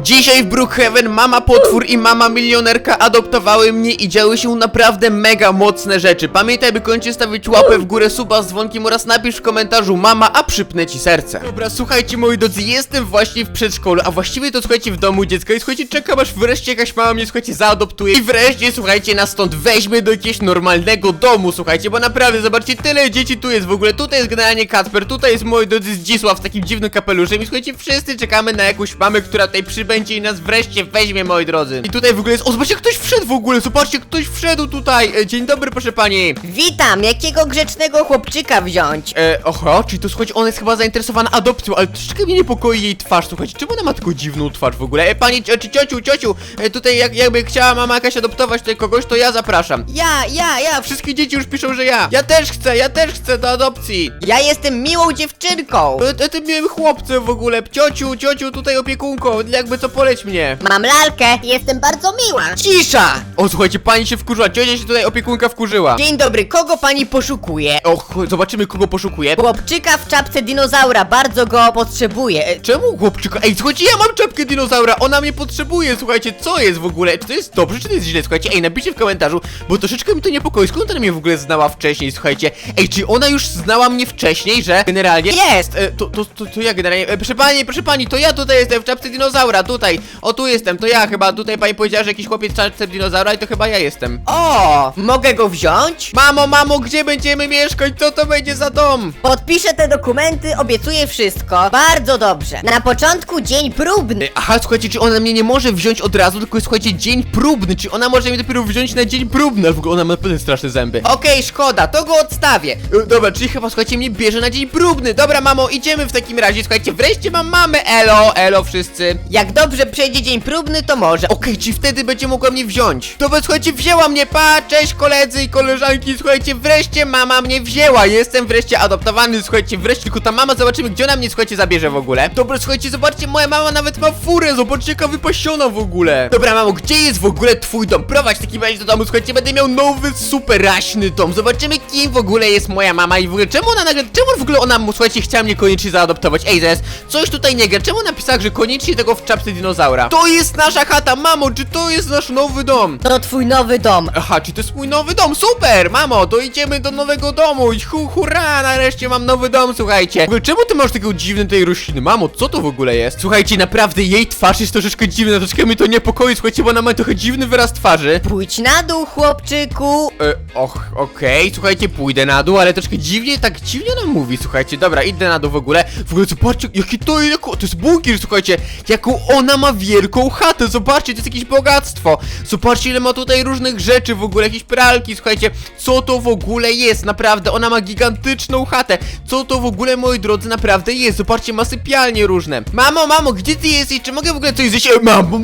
Dzisiaj w Brookhaven mama potwór i mama milionerka adoptowały mnie i działy się naprawdę mega mocne rzeczy. Pamiętaj, by koniecznie stawić łapę w górę, suba z dzwonkiem oraz napisz w komentarzu mama, a przypnę ci serce. Dobra, słuchajcie moi drodzy, jestem właśnie w przedszkolu, a właściwie to słuchajcie w domu dziecka i słuchajcie, czekam aż wreszcie jakaś mama mnie słuchajcie zaadoptuje i wreszcie słuchajcie nas stąd weźmie do jakiegoś normalnego domu, słuchajcie, bo naprawdę zobaczcie, tyle dzieci tu jest w ogóle, tutaj jest generalnie Kacper, tutaj jest moi drodzy Zdzisław z takim dziwnym kapeluszem i słuchajcie, wszyscy czekamy na jakąś mamę, która tutaj przybędzie i nas wreszcie weźmie, moi drodzy. I tutaj w ogóle jest, o zobaczcie, ktoś wszedł w ogóle, zobaczcie, ktoś wszedł tutaj. Dzień dobry, proszę pani. Witam, jakiego grzecznego chłopczyka wziąć? Oho, czyli to słuchajcie, ona jest chyba zainteresowana adopcją, ale troszeczkę mnie niepokoi jej twarz, słuchajcie, czemu ona ma taką dziwną twarz w ogóle? Pani, czy ciociu, tutaj jakby chciała mama jakaś adoptować tutaj kogoś, to ja zapraszam. Ja, Wszystkie dzieci już piszą, że ja. Ja też chcę do adopcji. ja jestem miłą dziewczynką. Tym miłym chłopcem w ogóle, ciociu, tutaj opiekunką, jakby co poleć mnie. Mam lalkę, jestem bardzo miła. Cisza! O, słuchajcie, pani się wkurzyła, ciocia się tutaj opiekunka wkurzyła. Dzień dobry, kogo pani poszukuje? Och, zobaczymy kogo poszukuje. Chłopczyka w czapce dinozaura, bardzo go potrzebuję. Czemu chłopczyka? Ej, słuchajcie, ja mam czapkę dinozaura, ona mnie potrzebuje, słuchajcie, co jest w ogóle? Czy to jest dobrze, czy to jest źle? Słuchajcie, ej, napiszcie w komentarzu, bo troszeczkę mi to niepokoi, skąd ona mnie w ogóle znała wcześniej, słuchajcie. Ej, czy ona już znała mnie wcześniej, że generalnie... Jest! To ja generalnie... proszę pani, to ja tutaj jestem w czapce dinozaura, tutaj. O, tu jestem, to ja chyba, tutaj pani powiedziała, że jakiś chłopiec w czapce dinozaura i to chyba ja jestem. O, mogę go wziąć? Mamo, gdzie będziemy mieszkać? Co to będzie za dom? Podpiszę te dokumenty, obiecuję wszystko. Bardzo dobrze. Na początku dzień próbny. Aha, słuchajcie, czy ona mnie nie może wziąć od razu, tylko jest, słuchajcie, dzień próbny, czy ona może mnie dopiero wziąć na dzień próbny, ale w ogóle ona ma naprawdę straszne zęby. Okej, szkoda, to go odstawię. Dobra, czyli chyba, słuchajcie, mnie bierze na dzień próbny. Dobra, mamo, idziemy w takim razie, słuchajcie, wreszcie mam mamę, elo wszyscy. Jak dobrze przejdzie dzień próbny, to może. Okej, czy wtedy będzie mogła mnie wziąć? Dobra, słuchajcie, wzięła mnie, cześć koledzy i koleżanki, słuchajcie, wreszcie mama mnie wzięła, jestem wreszcie adoptowany, słuchajcie, wreszcie, tylko ta mama, zobaczymy, gdzie ona mnie, słuchajcie, zabierze w ogóle. Dobra, słuchajcie, zobaczcie, moja mama nawet ma furę, zobaczcie, jaka wypasiona w ogóle. Dobra, mamo, gdzie jest w ogóle twój dom? Prowadź taki razie do domu, słuchajcie, będę miał nowy, super raśny dom, zobaczymy, kim w ogóle jest moja mama i w ogóle, czemu w ogóle ona, słuchajcie, chciała mnie koniecznie zaadoptować? Ej, zaraz, coś tutaj nie gra, czemu napisała, że koniecznie tego w czapce dinozaura? To jest nasza chata, mamo, czy to jest nasz nowy dom? To twój nowy dom. Aha, czy to jest mój nowy dom? Super, mamo, to idziemy do nowego domu. Hurra, nareszcie mam nowy dom, słuchajcie. W ogóle, czemu ty masz taką dziwną tej rośliny? Mamo, co to w ogóle jest? Słuchajcie, naprawdę jej twarz jest troszeczkę dziwna, troszeczkę mnie to niepokoi, słuchajcie, bo ona ma trochę dziwny wyraz twarzy. Pójdź na dół, chłopczyku. Okej, słuchajcie, pójdę na dół, ale troszkę dziwnie, tak dziwnie nam mówi, słuchajcie, dobra, idę na dół w ogóle, zobaczcie, jaki to jest bunkier, słuchajcie, jaką ona ma wielką chatę, zobaczcie, to jest jakieś bogactwo, zobaczcie, ile ma tutaj różnych rzeczy w ogóle, jakieś pralki, słuchajcie, co to w ogóle jest, naprawdę, ona ma gigantyczną chatę, co to w ogóle, moi drodzy, naprawdę jest, zobaczcie, ma sypialnie różne. Mamo, gdzie ty jesteś, czy mogę w ogóle coś zjeść? Mamo,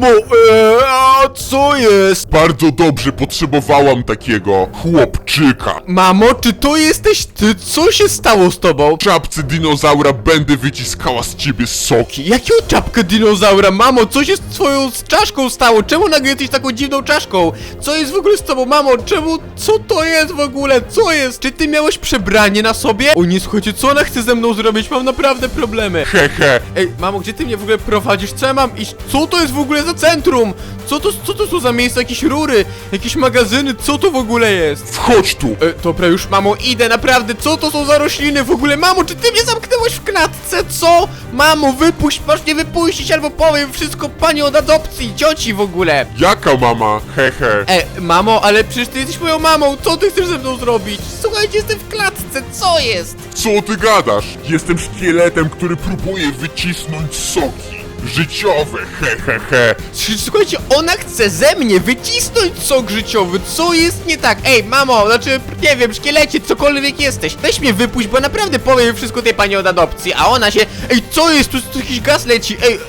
co jest? Bardzo dobrze, potrzebowałam takiego chłopczyka. Mamo, czy to jesteś ty? Co się stało z tobą? W czapce dinozaura będę wyciskała z ciebie soki. Jaką czapkę dinozaura? Mamo, co się z twoją czaszką stało? Czemu nagle jesteś taką dziwną czaszką? Co jest w ogóle z tobą, mamo? Co to jest w ogóle? Co jest? Czy ty miałeś przebranie na sobie? O nie, słuchajcie, co ona chce ze mną zrobić? Mam naprawdę problemy. Hehe. Ej, mamo, gdzie ty mnie w ogóle prowadzisz? Co ja mam iść? Co to jest w ogóle za centrum? Co to są za miejsca? Jakieś rury? Jakieś magazyny? Co to w ogóle jest? Wchodź tu. Dobra, już mamo, idę, naprawdę, co to są za rośliny w ogóle? Mamo, czy ty mnie zamknęłaś w klatce? Co? Mamo, wypuść, masz mnie wypuścić, albo powiem wszystko pani od adopcji, cioci w ogóle. Jaka mama? Hehe. Mamo, ale przecież ty jesteś moją mamą, co ty chcesz ze mną zrobić? Słuchajcie, jestem w klatce, co jest? Co ty gadasz? Jestem szkieletem, który próbuje wycisnąć soki. Życiowe, hehehe. Słuchajcie, ona chce ze mnie wycisnąć sok życiowy, co jest nie tak? Ej, mamo, znaczy, nie wiem, szkielecie, cokolwiek jesteś, weź mnie wypuść, bo naprawdę powiem wszystko tej pani od adopcji, a ona się... Ej, co jest? Tu jakiś gaz leci, ej,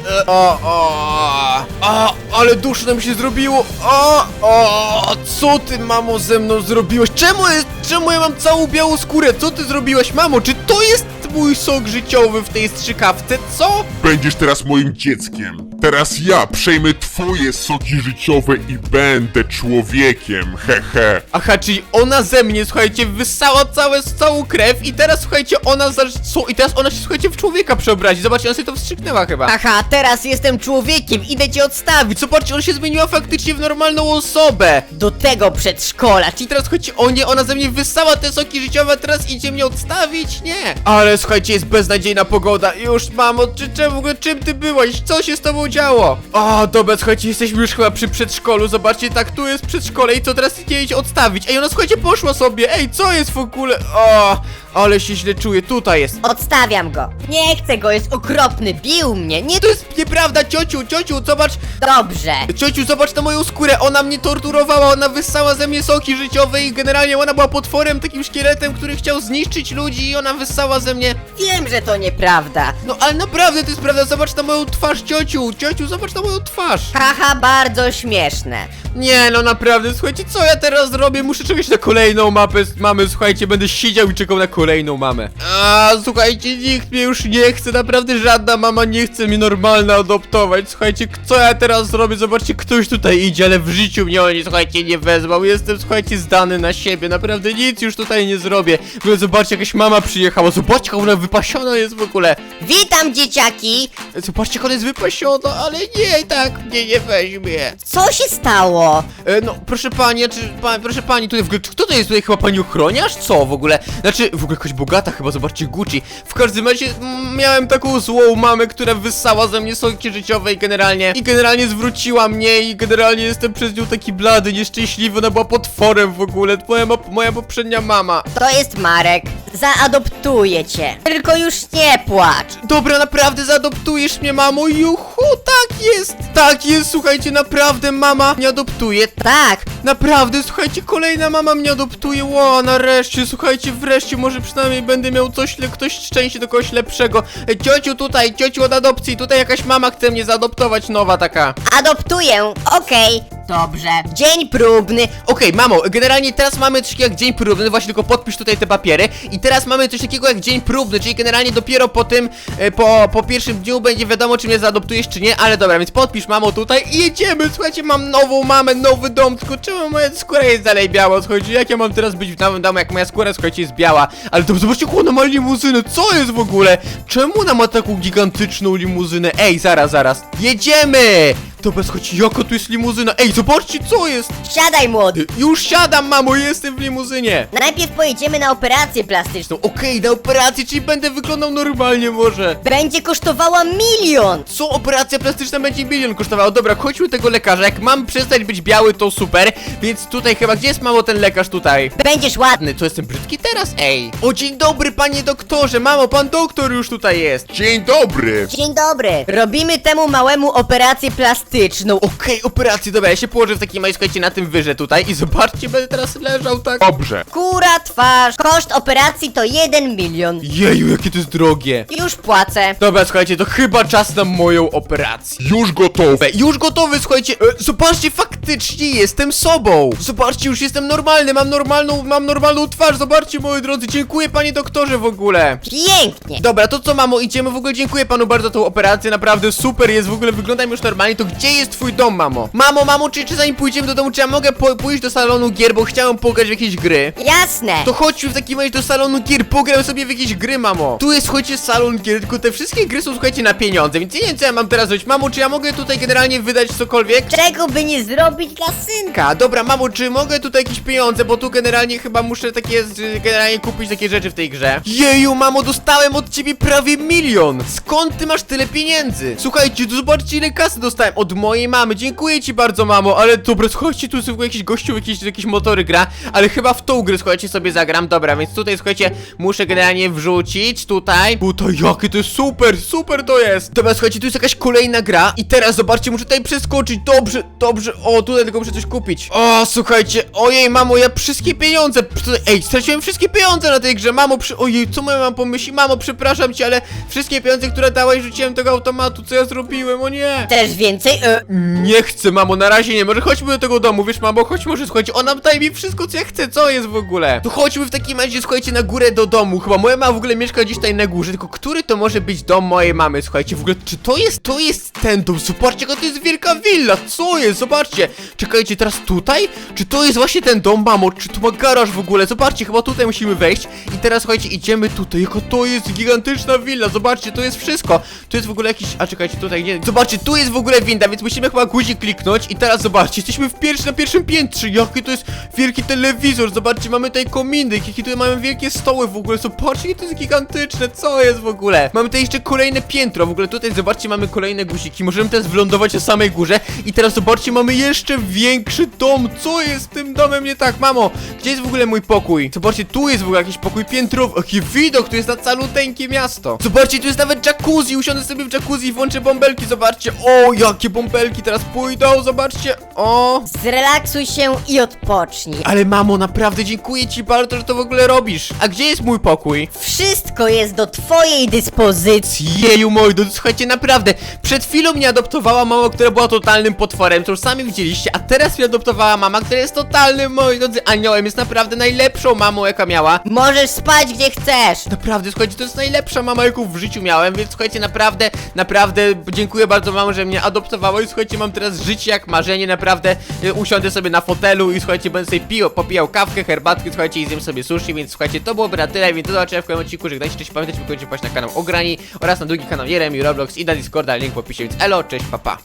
ale duszno mi się zrobiło, co ty, mamo, ze mną zrobiłaś? Czemu ja mam całą białą skórę? Co ty zrobiłaś, mamo? Czy to jest mój sok życiowy w tej strzykawce, co? Będziesz teraz moim dzieckiem. Teraz ja przejmę twoje soki życiowe i będę człowiekiem, hehe. Aha, czyli ona ze mnie, słuchajcie, wyssała całą krew i teraz, słuchajcie, i teraz ona się, słuchajcie, w człowieka przeobrazi. Zobaczcie, ona sobie to wstrzyknęła chyba. Haha, teraz jestem człowiekiem, idę cię odstawić. Zobaczcie, ona się zmieniła faktycznie w normalną osobę. Do tego przedszkola. I teraz, słuchajcie, ona ze mnie wyssała te soki życiowe, a teraz idzie mnie odstawić? Nie. Ale, słuchajcie, jest beznadziejna pogoda. Już, mamo, czym ty byłaś? Co się z tobą działo? O, dobra, słuchajcie, jesteśmy już chyba przy przedszkolu. Zobaczcie, tak, tu jest przedszkole i co teraz idzie jej odstawić? Ej, ona, słuchajcie, poszła sobie. Ej, co jest w ogóle? O, ale się źle czuję. Tutaj jest. Odstawiam go. Nie chcę go, jest okropny, bił mnie. Nie, To jest nieprawda, ciociu, zobacz. dobrze. Ciociu, zobacz na moją skórę, ona mnie torturowała, ona wyssała ze mnie soki życiowe i generalnie ona była potworem, takim szkieletem, który chciał zniszczyć ludzi i ona wyssała ze mnie. Wiem, że to nieprawda. No ale naprawdę to jest prawda, zobacz na moją twarz, ciociu, zobacz na moją twarz. Haha, bardzo śmieszne. Nie, no naprawdę, słuchajcie, co ja teraz zrobię? Muszę czekać na kolejną mamę, słuchajcie, będę siedział i czekał na kolejną mamę. A, słuchajcie, nikt mnie już nie chce, naprawdę żadna mama nie chce mnie normalnie adoptować. Słuchajcie, co ja teraz zrobię? Zobaczcie, ktoś tutaj idzie, ale w życiu mnie oni, słuchajcie, nie wezwał. Jestem, słuchajcie, zdany na siebie, naprawdę nic już tutaj nie zrobię. W ogóle zobaczcie, jakaś mama przyjechała, zobaczcie, jak ona wypasiona jest w ogóle. Witam, dzieciaki. Zobaczcie, jak ona jest wypasiona, ale nie, tak mnie nie weźmie. Co się stało? No, proszę pani, proszę pani, tutaj w ogóle, kto to jest tutaj, chyba pani ochroniarz? Co w ogóle? Znaczy, w ogóle jakaś bogata chyba, zobaczcie, Gucci. W każdym razie, miałem taką złą mamę, która wyssała ze mnie soki życiowe i generalnie zwróciła mnie i generalnie jestem przez nią taki blady, nieszczęśliwy, ona była potworem w ogóle, moja poprzednia mama. To jest Marek. Zaadoptuję cię. Tylko już nie płacz. Dobra, naprawdę zaadoptujesz mnie, mamo? Juhu, tak jest, słuchajcie, naprawdę mama mnie adoptuje. Tak. Naprawdę, słuchajcie, kolejna mama mnie adoptuje. Ło, nareszcie, słuchajcie, wreszcie może przynajmniej będę miał ktoś szczęście do kogoś lepszego. Ciociu od adopcji, tutaj jakaś mama chce mnie zaadoptować, nowa taka. Adoptuję. Okej. Dobrze. Dzień próbny. Okej, mamo, generalnie teraz mamy coś takiego jak dzień próbny, właśnie tylko podpisz tutaj te papiery. I teraz mamy coś takiego jak dzień próbny, czyli generalnie dopiero po tym, po pierwszym dniu będzie wiadomo, czy mnie zaadoptujesz, czy nie, ale dobra, więc podpisz, mamo, tutaj i jedziemy. Słuchajcie, mam nową mamę, nowy dom, tylko czemu moja skóra jest dalej biała? Słuchajcie, jak ja mam teraz być w nowym domu, jak moja skóra, słuchajcie, jest biała? Ale to zobaczcie, jak ona ma limuzynę, co jest w ogóle? Czemu ona ma taką gigantyczną limuzynę? Ej, zaraz, jedziemy! Dobra, słuchajcie, jaka tu jest limuzyna? Ej, zobaczcie, co jest! Siadaj, młody. Już siadam, mamo, jestem w limuzynie. Najpierw pojedziemy na operację plastyczną. No okej, na operację, czyli będę wyglądał normalnie może. Będzie kosztowała 1 milion. Co, operacja plastyczna będzie 1 milion kosztowała? Dobra, chodźmy do tego lekarza, jak mam przestać być biały, to super. Więc tutaj chyba, gdzie jest, mamo, ten lekarz tutaj? Będziesz ładny. Co, jestem brzydki teraz? Ej. O, dzień dobry, panie doktorze, mamo, pan doktor już tutaj jest. Dzień dobry. Dzień dobry. Robimy temu małemu operację plastyczną. Okej, operację, dobra, ja się położę w takim, słuchajcie, na tym wyże tutaj i zobaczcie, będę teraz leżał tak. Dobrze. Kura twarz. Koszt operacji to 1 milion. Jeju, jakie to jest drogie. Już płacę. Dobra, słuchajcie, to chyba czas na moją operację. Już gotowe. Już gotowy, słuchajcie, zobaczcie, faktycznie jestem sobą. Zobaczcie, już jestem normalny, mam normalną twarz, zobaczcie, moi drodzy, dziękuję, panie doktorze, w ogóle. Pięknie. Dobra, to co, mamo, idziemy, w ogóle dziękuję panu bardzo za tą operację, naprawdę super jest, w ogóle wyglądam już normalnie. To gdzie jest twój dom, mamo? Mamo, czy zanim pójdziemy do domu, czy ja mogę pójść do salonu gier, bo chciałem pograć w jakieś gry? Jasne. To chodźmy w takim razie do salonu gier, pogram sobie w jakieś gry, mamo. Tu jest, słuchajcie, salon gier, tylko te wszystkie gry są, słuchajcie, na pieniądze, więc nie wiem, co ja mam teraz zrobić. Mamo, czy ja mogę tutaj generalnie wydać cokolwiek? Czego by nie zrobić dla synka? Dobra, mamo, czy mogę tutaj jakieś pieniądze, bo tu generalnie chyba muszę generalnie kupić takie rzeczy w tej grze. Jeju, mamo, dostałem od ciebie prawie 1 milion. Skąd ty masz tyle pieniędzy? Słuchajcie, tu zobaczcie, ile kasy dostałem od mojej mamy. Dziękuję ci bardzo, mamo, ale dobra, słuchajcie, tu jest jakiś gościu, jakieś motory gra, ale chyba w tą grę, słuchajcie, sobie zagram. Dobra, więc tutaj, słuchajcie, muszę generalnie wrzucić tutaj, jakie to jest super to jest. Dobra, słuchajcie, tu jest jakaś kolejna gra i teraz zobaczcie, muszę tutaj przeskoczyć. Dobrze, o, tutaj tylko muszę coś kupić. O, słuchajcie, ojej, mamo, ja wszystkie pieniądze, ej, straciłem wszystkie pieniądze na tej grze, mamo, ojej, co moja mama pomyśli? Mamo, przepraszam cię, ale wszystkie pieniądze, które dałaś, rzuciłem do tego automatu, co ja zrobiłem, o nie. Też więcej? Nie chcę, mamo, na razie nie, może chodźmy do tego domu, wiesz, mamo, chodź, może, słuchajcie, ona daje mi wszystko, co ja chcę, co jest w ogóle? To chodźmy w takim razie, słuchajcie, na górę do domu, chyba moja mama w ogóle mieszka gdzieś tutaj na górze, tylko który to może być dom mojej mamy, słuchajcie, w ogóle, czy to jest ten dom, zobaczcie, jaka to jest wielka willa, co jest, zobaczcie, czekajcie, teraz tutaj? Czy to jest właśnie ten dom, mamo, czy tu ma garaż w ogóle, zobaczcie, chyba tutaj musimy wejść i teraz, słuchajcie, idziemy tutaj, jaka to jest gigantyczna willa, zobaczcie, to jest wszystko, tu jest w ogóle jakiś, a czekajcie, tutaj nie, zobaczcie, tu jest w ogóle winda, więc musimy chyba guzik kliknąć i teraz zobaczcie, jesteśmy na pierwszym piętrze, jaki to jest wielki telewizor, zobaczcie, mamy tutaj kominek, jakie tutaj mamy wielkie stoły w ogóle, zobaczcie, jakie to jest gigantyczne, co jest w ogóle, mamy tutaj jeszcze kolejne piętro, w ogóle tutaj, zobaczcie, mamy kolejne guziki, możemy teraz wylądować na samej górze i teraz zobaczcie, mamy jeszcze większy dom, co jest z tym domem nie tak, mamo, gdzie jest w ogóle mój pokój, zobaczcie, tu jest w ogóle jakiś pokój piętrowy, jaki widok, tu jest na caluteńkie miasto, zobaczcie, tu jest nawet jacuzzi, usiądę sobie w jacuzzi i włączę bąbelki, zobaczcie, o, jakie bąbelki teraz pójdą, zobaczcie, o. Zrelaksuj się i odpocznij. Ale mamo, naprawdę dziękuję ci bardzo, że to w ogóle robisz. A gdzie jest mój pokój? Wszystko jest do twojej dyspozycji. Jeju, moi drodzy, słuchajcie, naprawdę, przed chwilą mnie adoptowała mama, która była totalnym potworem, to już sami widzieliście, a teraz mnie adoptowała mama, która jest totalnym, moi drodzy, aniołem, jest naprawdę najlepszą mamą, jaka miała. Możesz spać gdzie chcesz. Naprawdę, słuchajcie, to jest najlepsza mama, jaką w życiu miałem, więc słuchajcie, naprawdę dziękuję bardzo mamo, że mnie adoptowała i słuchajcie, mam teraz życie jak marzenie, naprawdę usiądę sobie na fotelu i słuchajcie, będę sobie popijał kawkę, herbatkę, słuchajcie, i zjem sobie sushi, więc słuchajcie, to byłoby na tyle, więc do zobaczenia w kolejnym odcinku, żegnajcie, cześć, pamiętajcie, by koniecznie wpaść na kanał Ograni oraz na drugi kanał Jeremy Roblox i na Discorda, link w opisie, więc elo, cześć, papa.